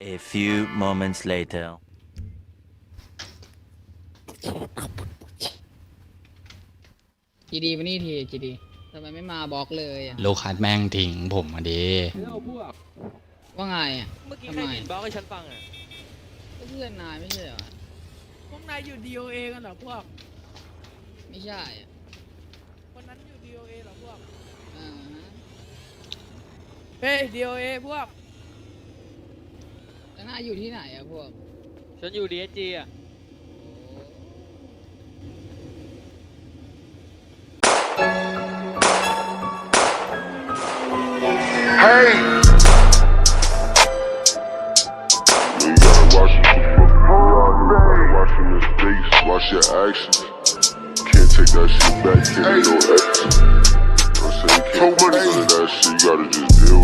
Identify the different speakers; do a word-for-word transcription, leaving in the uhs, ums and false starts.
Speaker 1: A few moments later.
Speaker 2: จีดีมานี่ทีจีดีทำไมไม่มาบล็อกเลยอ่ะ
Speaker 3: ลูกคัดแม่งทิ้งผมมาดี
Speaker 2: ว่าไงอ่ะ
Speaker 4: เมื่อกี้
Speaker 2: ทำ
Speaker 4: ใคร
Speaker 2: ไม
Speaker 4: บิดบล็อกให้ฉันฟังอ่ะ
Speaker 2: ก็เพื่อนนายไม่ใช่เหรอ
Speaker 5: พวกนายอยู่ ดี โอ เอ กันเหรอพวก
Speaker 2: ไม่ใช่อ่ะ
Speaker 5: คนนั้นอยู่ ดี โอ เอ เหรอพวก
Speaker 2: อ่าฮะ
Speaker 5: เฮ้ย ดี โอ เอ พวก
Speaker 2: แล้วนายอยู่ที่ไหนอ่ะพวก
Speaker 4: ฉันอยู่ดีเอจีอ่ะ
Speaker 6: Hey! You gotta watch your watching your face, watch your actions. Can't take that shit back, can't no exit. I say you can't do that shit, you gotta just deal with it.